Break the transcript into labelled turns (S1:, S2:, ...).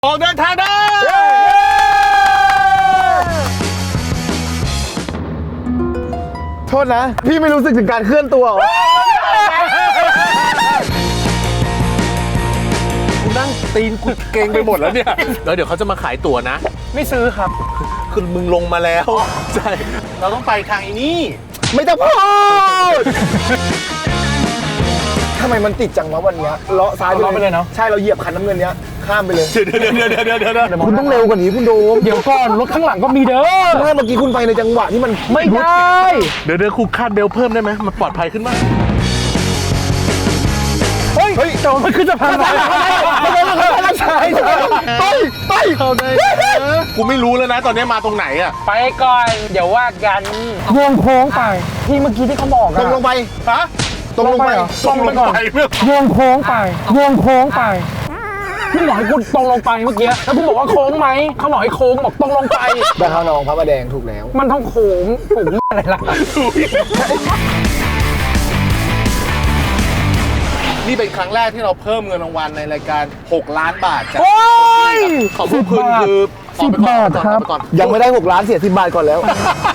S1: ออกเดินทางได้
S2: โทษนะ พี่ไม่รู้สึกถึงการเคลื่อนตัวเหรอ
S1: กูนั่งตีนกูเกรงไปหมดแล้วเนี่ยแล้วเดี๋ยวเขาจะมาขายตั๋วนะ
S3: ไม่ซื้อครับ
S1: คือมึงลงมาแล้วใช่เราต้องไปทางอีนี่
S2: ไม่ต้องพูดทำไมมันติดจังวะวันเนี้ยเลาะซ้ายไป
S3: เลาะไปเลยเนอะ
S2: ใช่เราเหยียบคันน้ำเงินเนี้ยข้ามไปเลย
S1: เดี๋ยว
S2: คุณต้องเร็วกว่านี้คุณโดม
S3: เดี๋ยวก่อนรถข้างหลังก็มีเด้อ
S2: เมื่อกี้คุณไปในจังหวะที่มัน
S3: ไม่ได้
S1: เดี๋ยวครูคาดเบลเพิ่มได้ไหมมันปลอดภัยขึ้นมาก
S3: เฮ้ยแต่ว่ามันขึ้นสะพานไป
S2: ไป
S1: เข้าได้กูไม่รู้แล้วนะตอนนี้มาตรงไหนอ่ะ
S3: ไปก่อนเดี๋ยวว่ากันวงโค้งไปที่เมื่อกี้ที่เขาบอก
S2: ตร
S3: อะ
S2: งลงไป
S1: ฮะ
S2: ตรงลงไป
S3: ตรงไปก่อน
S1: เพื่อ
S3: วงโค้งไปวงโค้งไปพี่บอกให้คุณตรงลงไปเมื่อกี้แล้วคุณบอกว่าโค้งไหมเขาบอกให้โค้งบอกตรงลงไป
S2: ดาวน้องพระประแดงถูกแล้ว
S3: มันต้องโค้งผมอะไรล่ะ
S1: นี่เป็นครั้งแรกที่เราเพิ่มเงินรางวัลในรายการ6 ล้านบาทจาก
S3: โอ้ย
S1: ของพวกคุณคือ
S3: 10 บาทครับ
S1: ออกไปก่อน
S2: ยังไม่ได้6 ล้านเสีย10 บาทก่อนแล้ว